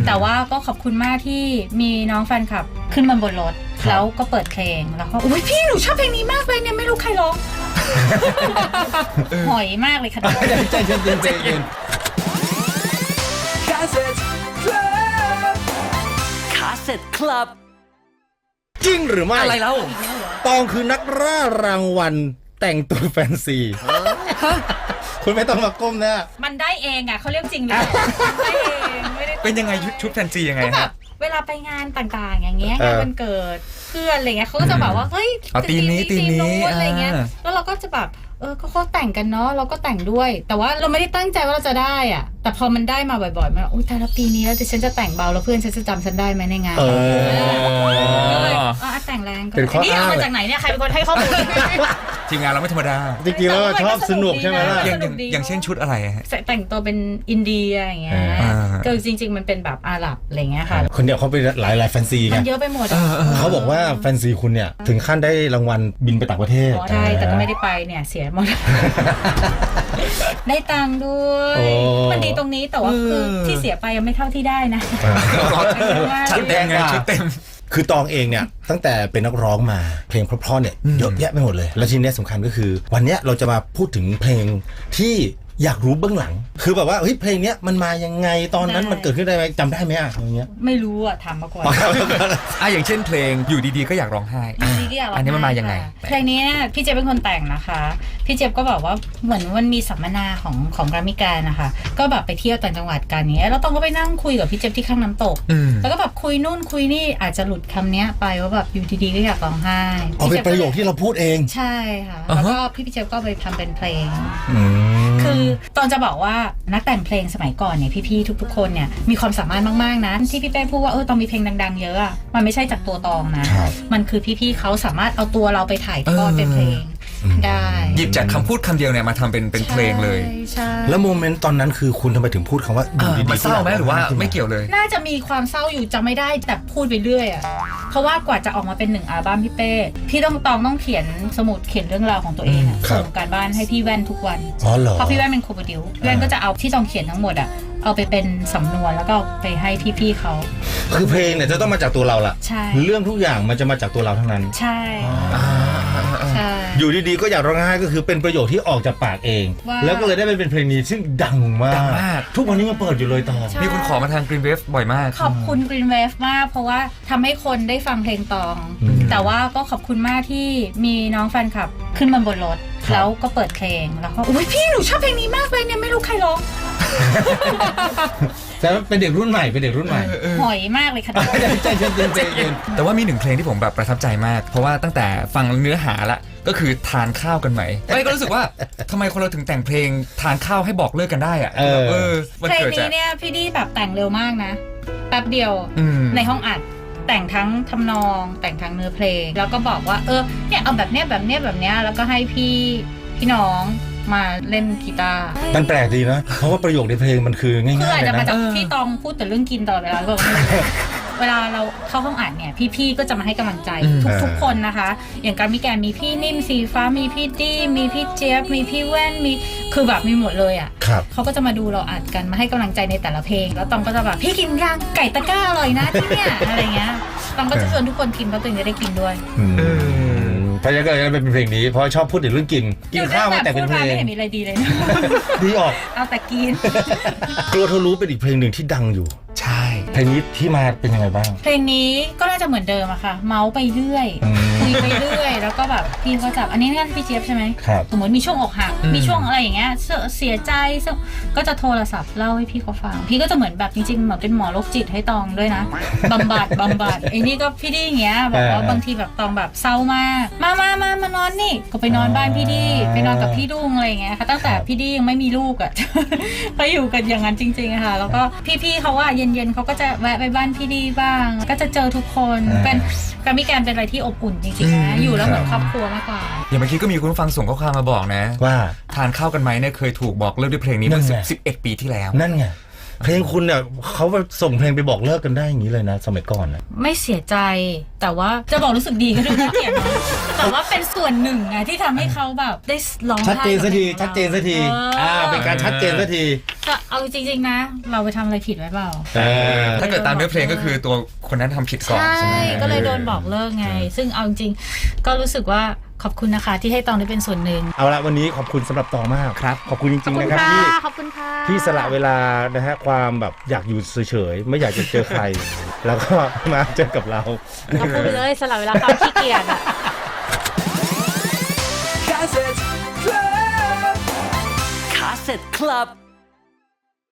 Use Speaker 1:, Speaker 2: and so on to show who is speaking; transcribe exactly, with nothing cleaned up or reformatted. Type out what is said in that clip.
Speaker 1: แต่ว่าก็ขอบคุณมากที่มีน้องแฟนคลับขึ้นมาบนรถแล้วก็เปิดเพลงแล้วก็อุ้ยพี่หนูชอบเพลงนี้มากเลยเนี่ยไม่รู้ใครร้องหอยมากเลยค่ะ
Speaker 2: ใจเย็นใจเย็นคาสเซ็ตคลับคาสเซ็ตคลับจริงหรือไม่
Speaker 3: อะไรเล่า
Speaker 2: ตองคือนักล่ารางวัลแต่งตัวแฟนซีคุณไม่ต้องมาก้มนะ
Speaker 1: มันได้เองอ่ะเขาเรียกจริงเลยได้เองไม่ได้
Speaker 3: เป็นยังไงชุดแฟนซียังไง
Speaker 1: ก็แบบเวลาไปงานต่างๆอย่างเงี้ยงานวันเกิดเพื่อนอะไรเงี้ยเขาก็จะแบบว่าเฮ้ย
Speaker 3: ตีนี้ตีนี้
Speaker 1: อะไรเงี้ยแล้วเราก็จะแบบเออก็เขาแต่งกันเนาะเราก็แต่งด้วยแต่ว่าเราไม่ได้ตั้งใจว่าเราจะได้อ่ะแต่พอมันได้มาบ่อยๆมันอุ้ยแต่ละปีนี้แล้วฉันจะแต่งเบาแล้วเพื่อนฉันจะจำฉันได้ไหมในงานก็เลยอ๋อแต่งแรงก็นี่เอามาจากไหนเนี่ยใครเป็นคนให้ข้อมูล
Speaker 3: ทีมงานเราไม่ธรรมดา
Speaker 2: จริงๆแล้วชอบสนุกใช่ไหมล่ะ
Speaker 3: อย่างอย่างเช่นชุดอะไรฮะ
Speaker 1: แต่งตัวเป็นอินเดียอย่างเงี้ยก็จริงๆมันเป็นแบบอาหรับอะไรเงี้ยค่ะ
Speaker 2: คนเดียวเขาเป็นหลายหลายแฟนซีไง
Speaker 1: มันเยอะไปหมด
Speaker 2: เขาบอกว่าแฟนซีคุณเนี่ยถึงขั้นได้รางวัลบินไปต่างประเทศ
Speaker 1: ใช่แต่ก็ไม่ได้ไปเนี่ยเสียหมดได้ตังค์ด้วยมันดีตรงนี้แต่ว่าคือที่เสียไปยังไม่เท่าที่ได้นะ
Speaker 3: ชุดเต็มไงชุดเต็ม
Speaker 2: คือตองเองเนี่ยตั้งแต่เป็นนักร้องมาเพลงเพราะๆเนี่ยเยอะแยะไปหมดเลยแล้วทีนี้สำคัญก็คือวันนี้เราจะมาพูดถึงเพลงที่อยากรู้เบื้องหลังคือแบบว่าเฮ้ยเพลงเนี้ยมันมายังไงตอนนั้นมันเกิดขึ้นได้ไหมจำได้ไหมอ่ะอย่างเงี้ย
Speaker 1: ไม่รู้อ่ะถามมาก่อน
Speaker 3: อ่ะอย่างเช่นเพลงอยู่ดีๆก็อยากร้องไห้อันนี้มันมายังไง
Speaker 1: เพลงนี้พี่เจี๊ยบเป็นคนแต่งนะคะพี่เจี๊ยบก็แบบว่าเหมือนมันมีสัมมนาของของแกรมมี่การนะคะก็แบบไปเที่ยวต่างจังหวัดกันเนี้ยแล้วต้องก็ไปนั่งคุยกับพี่เจี๊ยบที่ข้างน้ำตกแล้วก็แบบคุยนู่นคุยนี่อาจจะหลุดคำเนี้ยไปว่าแบบอยู่ดีๆก็อยากร้องไห้
Speaker 2: อ๋อเป็นประโยคที่เราพูดเอง
Speaker 1: ใช่ค่ะแล้วก็พี่พี่เจี๊ยบก็ไปทำเป็นเพลงคือตอนจะบอกว่านักแต่งเพลงสมัยก่อนเนี่ยพี่ๆทุกๆคนเนี่ยมีความสามารถมากๆนะที่พี่เป้พูดว่าเออตองมีเพลงดังๆเยอะอะมันไม่ใช่จากตัวตองนะมันคือพี่ๆเขาสามารถเอาตัวเราไปถ่ายทอดเป็นเพลงได้
Speaker 3: หยิบจากคำพูดคำเดียวเนี่ยมาทำเป็นเป็นเพลงเลย
Speaker 2: แล้วโมเมนต์ตอนนั้นคือคุณทำไมถึงพูดคำว่าอยู่ดีๆ
Speaker 3: มันเศร้าไหมหรือว่าไม่เกี่ยวเลย
Speaker 1: น่าจะมีความเศร้าอยู่จะไม่ได้แต่พูดไปเรื่อยอะเพราะว่ากว่าจะออกมาเป็นหนึ่งอัลบั้มพี่เป้พี่ต้องตองต้องเขียนสมุดเขียนเรื่องราวของตัวเองส่งการบ้านให้พี่แว่นทุกวันเพราะพี่แว่นเป็นโคโปรดิวพี่แว่นก็จะเอาที่ตองเขียนทั้งหมดอะเอาไปเป็นสำนวนแล้วก็ไปให้พี่ๆเขา
Speaker 2: คือเพลงเนี่ยจะต้องมาจากตัวเราล่ะ
Speaker 1: ใช่
Speaker 2: เรื่องทุกอย่างมันจะมาจากตัวเราทั้งนั้น
Speaker 1: ใช่ใช่
Speaker 2: อยู่ดีๆก็อยากร้องไห้ก็คือเป็นประโยคที่ออกจากปากเองแล้วก็เลยได้เป็นเพลงนี้ซึ่งดังมากทุกวันนี้มันเปิดอยู่เลยตอง
Speaker 3: มีคนขอมาทาง Green Wave บ่อยมาก
Speaker 1: ขอบคุณ Green Wave มากเพราะว่าทำให้คนได้ฟังเพลงตองแต่ว่าก็ขอบคุณมากที่มีน้องแฟนคลับขึ้นมาบนรถแล้วก็เปิดเพลงแล้วก็อุ้ยพี่หนูชอบเพลงนี้มากเลยเนี่ยไม่รู้ใครร้อง
Speaker 2: แต่เป็นเด็กรุ่นใหม่เป็นเด็กรุ่นใหม่
Speaker 1: หอยมากเลยค่ะ
Speaker 2: ใจเย็นใจเย็น
Speaker 3: แต่ว่ามีหนึ่งเพลงที่ผมแบบประทับใจมากเพราะว่าตั้งแต่ฟังเนื้อหาละก็คือทานข้าวกันไหมไม่ก็รู้สึกว่าทำไมคนเราถึงแต่งเพลงทานข้าวให้บอกเลิกกันได้อะเออ
Speaker 1: เพลงนี้เนี่ยพี่ดีแบบแต่งเร็วมากนะแป๊บเดียวในห้องอัดแต่งทั้งทำนองแต่งทั้งเนื้อเพลงแล้วก็บอกว่าเออเนี่ยเอาแบบเนี้ยแบบเนี้ยแบบเนี้ยแล้วก็ให้พี่พี่น้องมาเล่นกีตาร์
Speaker 2: มันแปลกดีนะเพราะว่าประโยคในเพลงมันคือง่ายๆ
Speaker 1: คืออาจจะมาจาก
Speaker 2: ที่
Speaker 1: ตองพูดแต่เรื่องกินตลอดเวลาก็เวลาเราเข้าห้องอัดเนี่ยพี่ๆก็จะมาให้กำลังใจทุกๆคนนะคะอย่างการมีแกมีพี่นิ่มสีฟ้ามีพี่ดี้มีพี่เจี๊ยบมีพี่แว่นมีคือแบบมีหมดเลยอ่ะเขาก็จะมาดูเราอัดกันมาให้กำลังใจในแต่ละเพลงแล้วตองก็จะแบบพี่กินย่างไก่ตะก้าอร่อยนะที่เนี่ยอะไรเงี้ยตองก็จะชวนทุกคนกินเพราะตัวเองจะได้กินด้วย
Speaker 2: เพราะฉะนั้นก็เลยเป็นเพลงนี้เพราะชอบพูดถึงเรื่องกินกินข้าวมาแต่เป็นเพลง
Speaker 1: ไม่เห็นมีอะไรดีเลยนะ
Speaker 2: ดีออก
Speaker 1: เอาแต่กิน
Speaker 2: กลัวเธอรู้เป็นอีกเพลงหนึ่งที่ดังอยู่
Speaker 3: ใช่
Speaker 2: เพลงนี้ที่มาเป็นยังไงบ้าง
Speaker 1: เพลงนี้ก็น่าจะเหมือนเดิมอะค่ะเมาส์ไปเรื่อยคุยไปเรื่อยแล้วก็แบบพี่ก็จับอันนี้นี่พี่เจี๊ยบใช่ไหมสมมติมีช่วงอกหักมีช่วงอะไรอย่างเงี้ยเสียใจก็จะโทรศัพท์เล่าให้พี่เขาฟังพี่ก็จะเหมือนแบบจริงๆเหมือนเป็นหมอโรคจิตให้ตองด้วยนะบำบัดบำบัดไอ้นี่ก็พี่ดีอย่างเงี้ยบอกว่าบางทีแบบตองแบบเศร้ามากมามามามานอนนี่ก็ไปนอนบ้านพี่ดีไปนอนกับพี่ดุ้งอะไรอย่างเงี้ยค่ะตั้งแต่พี่ดียังไม่มีลูกอะไปอยู่กันอย่างนั้นจริงๆค่ะแล้วก็พี่ๆเขาว่าเย็นๆเขาก็จะแวะไปบ้านพี่ดีบ้างก็จะเจอทุกคนเป็นการมิแกนเป็นอะไรที่อบอุ่นจริงๆนะอยู่แล้วเหมือนครอบครัวมากกว่า
Speaker 3: อย่างเมื่อกี้ก็มีคุณฟังส่งข้อความมาบอกนะ
Speaker 2: ว่า
Speaker 3: ทานข้าวกันไหมเนี่ยเคยถูกบอกเลิกด้วยเพลงนี้เมื่อสิบเอ็ดปีที่แล้ว
Speaker 2: นั่นไงเพลงคุณเนี่ยเขาส่งเพลงไปบอกเลิกกันได้อย่างนี้เลยนะสมัยก่อนนะ
Speaker 1: ไม่เสียใจแต่ว่าจะบอกรู้สึกดีก็ดูน่าเกลียดนะแต่ว่าเป็นส่วนหนึ่งไงที่ทำให้เขาแบบได้ร้องไห้
Speaker 2: ชัดเจนสักทีชัดเจนสักที
Speaker 1: เอออ่
Speaker 2: อ่าเป็นการชัดเจนสักที
Speaker 1: ก็เอาจริงๆนะ เราไปทำอะไรผิดไว้เปล่า
Speaker 2: เออ
Speaker 3: ถ้าเกิดตามเนื้อเพลงก็คือตัวคนนั้นทำผิดก่อน
Speaker 1: ใช่
Speaker 3: ใช่ไหม
Speaker 1: ก็เลยโดนบอกเลิกไง ซึ่งเอาจริงๆก็รู้สึกว่าขอบคุณนะคะที่ให้ตองได้เป็นส่วนหนึ่ง
Speaker 2: เอาละวันนี้ขอบคุณสำหรับตองมากครับขอบคุณจริงๆนะครับที่
Speaker 1: ขอบคุณค่ะ
Speaker 2: ที่สละเวลานะฮะความแบบอยากอยู่เฉยๆไม่อยากจะเจอใคร แล้วก็มาเจอกับเรา
Speaker 1: ขอบคุณไปเลยสละเวลาความขี้เกียจอะ
Speaker 4: Cassette Club